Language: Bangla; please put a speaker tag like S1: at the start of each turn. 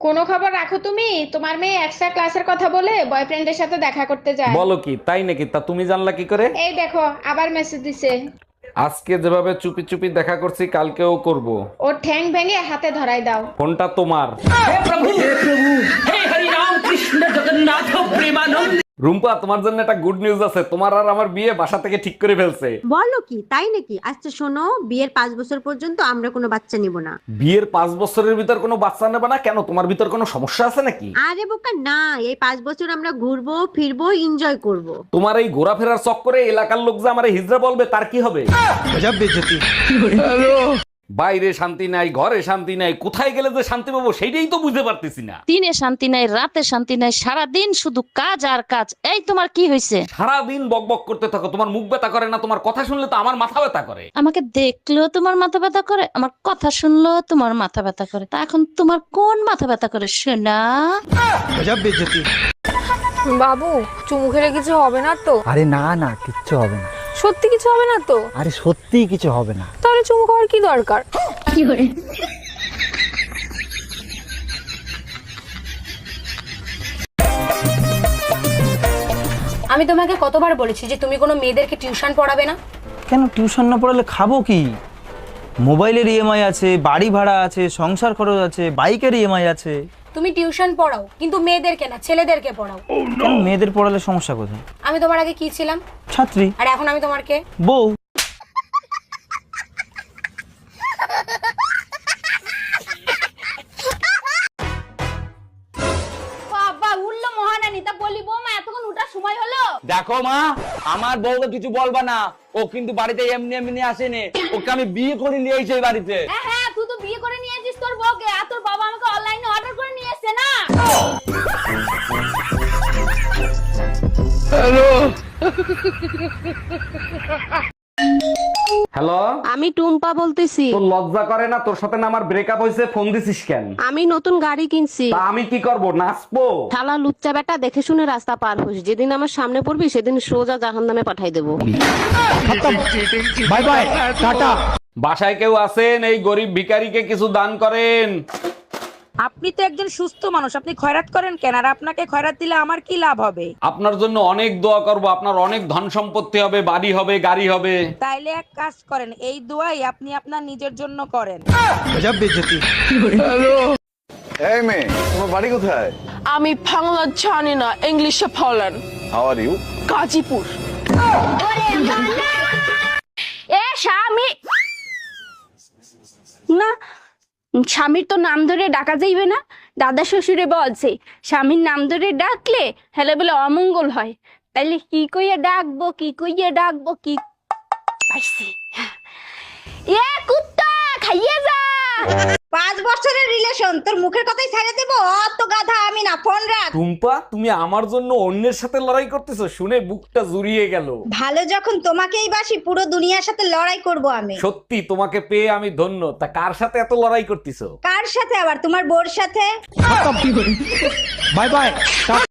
S1: কোনো খবর রাখো তুমি? তোমার মেয়ে এক্সট্রা ক্লাসের কথা বলে বয়ফ্রেন্ডের সাথে দেখা করতে যায়।
S2: বলো কি, তাই নাকি? তা তুমি জানলা কি করে?
S1: এই দেখো আবার মেসেজ দিছে।
S2: আজকে যেভাবে চুপি চুপি দেখা করছি কালকেও করব।
S1: ওর ঠ্যাং ভেঙে হাতে ধরাই দাও।
S2: ফোনটা তোমার। রুম্পা, তোমার জন্য একটা গুড নিউজ আছে। তোমার আর আমার বিয়ে বাসা থেকে ঠিক করে ফেলছে।
S3: বলো কি, তাই নাকি? আচ্ছা শোনো, বিয়ের 5 বছর পর্যন্ত আমরা কোনো বাচ্চা নিব না।
S2: বিয়ের 5 বছরের ভিতর কোনো বাচ্চা নেবে না কেন? তোমার ভিতর কোনো সমস্যা আছে নাকি?
S3: আরে বোকা না, এই 5 বছর আমরা ঘুরবো ফিরবো এনজয় করব।
S2: তোমার এই ঘোরাফেরার চক্করে এলাকার লোক যে আমারে হিজড়া বলবে তার কি হবে? বাইরে শান্তি নাই, ঘরে শান্তি নাই, কোথায় গেলে যে শান্তি পাবো সেইটাই তো বুঝতে পারতেছি না।
S4: দিনে শান্তি নাই, রাতে শান্তি নাই, সারাদিন শুধু কাজ আর কাজ। এই তোমার কি হয়েছে?
S2: সারাদিন বকবক করতে থাকো, তোমার মুখ ব্যথা করে না? তোমার কথা শুনলে তো আমার মাথা ব্যথা করে।
S4: আমাকে দেখলেও তোমার মাথা ব্যথা করে, আমার কথা শুনলেও তোমার মাথা ব্যথা করে। তা এখন তোমার কোন মাথা ব্যথা করে শোনা?
S5: বাবু, চুমু খেলে কিছু হবে না তো?
S6: আরে না না, কিচ্ছু হবে না।
S5: সত্যি কিছু হবে না তো?
S6: আরে সত্যিই কিছু হবে না।
S5: তাহলে চুমু খাওয়ার কি দরকার?
S7: আমি তোমাকে কতবার বলেছি যে তুমি কোনো মেয়েদেরকে টিউশন পড়াবে না?
S6: কেন টিউশন না পড়ালে খাবো কি? মোবাইলের ইএমআই আছে, বাড়ি ভাড়া আছে, সংসার খরচ আছে, বাইকের ইএমআই আছে।
S7: তুমি টিউশন পড়াও, কিন্তু মেয়েদেরকে না, ছেলেদেরকে পড়াও।
S6: কেন মেয়েদের পড়ালে সমস্যা কোথায়?
S7: আমি তোমার আগে কি ছিলাম?
S6: ছাত্রী।
S7: আর এখন আমি তোমার কে?
S6: বউ।
S7: বাবা উল্লো মহারানী, তা বলি বৌমা এতক্ষণ উঠার সময় হলো?
S8: দেখো মা, আমার বউকে কিছু বলবা না। ও কিন্তু বাড়িতে এমনি এমনি আসেনি, ওকে আমি বিয়ে করে নিয়ে এসেছি এই বাড়িতে।
S7: হ্যাঁ হ্যাঁ, তুই তো বিয়ে করে নিয়ে এসেছিস তোর বউকে, আর তোর বাবা আমাকে অনলাইনে অর্ডার করে নিয়ে এসেছে না।
S2: হ্যালো,
S3: আমি টুম্পা বলতেছি।
S2: তোর লজ্জা করে না? তোর সাথে না আমার ব্রেকআপ হয়েছে, ফোন দিছিস কেন?
S3: আমি নতুন গাড়ি কিনছি।
S2: তা আমি কি করব, নাচবো?
S3: শালা লুচ্চা বেটা, দেখে শুনে রাস্তা পার হোস। যেদিন আমার সামনে পড়বি সেদিন সোজা জাহান্নামে পাঠাই দেবো।
S6: বাই বাই, টাটা।
S2: বাসায় কেউ আছেন? এই গরিব ভিখারিকে কিছু দান করেন।
S9: আপনি তো একজন সুস্থ মানুষ, আপনি খয়রাত করেন কেন? আর আপনাকে খয়রাত দিলে আমার কি লাভ হবে?
S2: আপনার জন্য অনেক দোয়া করব, আপনার অনেক ধন সম্পত্তি হবে, বাড়ি হবে, গাড়ি হবে।
S9: তাইলে এক কাজ করেন, এই দোয়াই আপনি আপনার নিজের জন্য করেন।
S10: এই মেয়ে, তোমার বাড়ি কোথায়?
S5: আমি বাংলা জানি না, ইংলিশে বলেন।
S10: How are you?
S5: গাজীপুর।
S7: এ স্বামী না, স্বামীর তো নাম ধরে ডাকা যাইবে না। দাদা শ্বশুরে বলছে স্বামীর নাম ধরে ডাকলে হেলে বলে অমঙ্গল হয়। তাইলে কি কইয়া ডাকবো, কি কইয়া ডাকবো, কি পাইছি? এ কুত্তা খাইয়ে যা।
S3: 5 বছরের রিলেশন, তোর মুখের কথাই ছেড়ে দেবো? অত গাধা আমি না, ফোন রাখ।
S2: টুম্পা, তুমি আমার জন্য অন্যের সাথে লড়াই করতেছো শুনে বুকটা জুড়িয়ে গেল।
S3: ভালো যখন তোমাকেই বাসি, পুরো দুনিয়ার সাথে লড়াই করব আমি।
S2: সত্যি তোমাকে পেয়ে আমি ধন্য। তা কার সাথে এত লড়াই করতেছো?
S3: কার সাথে আবার? তোমার বোর সাথে।
S6: Bye by.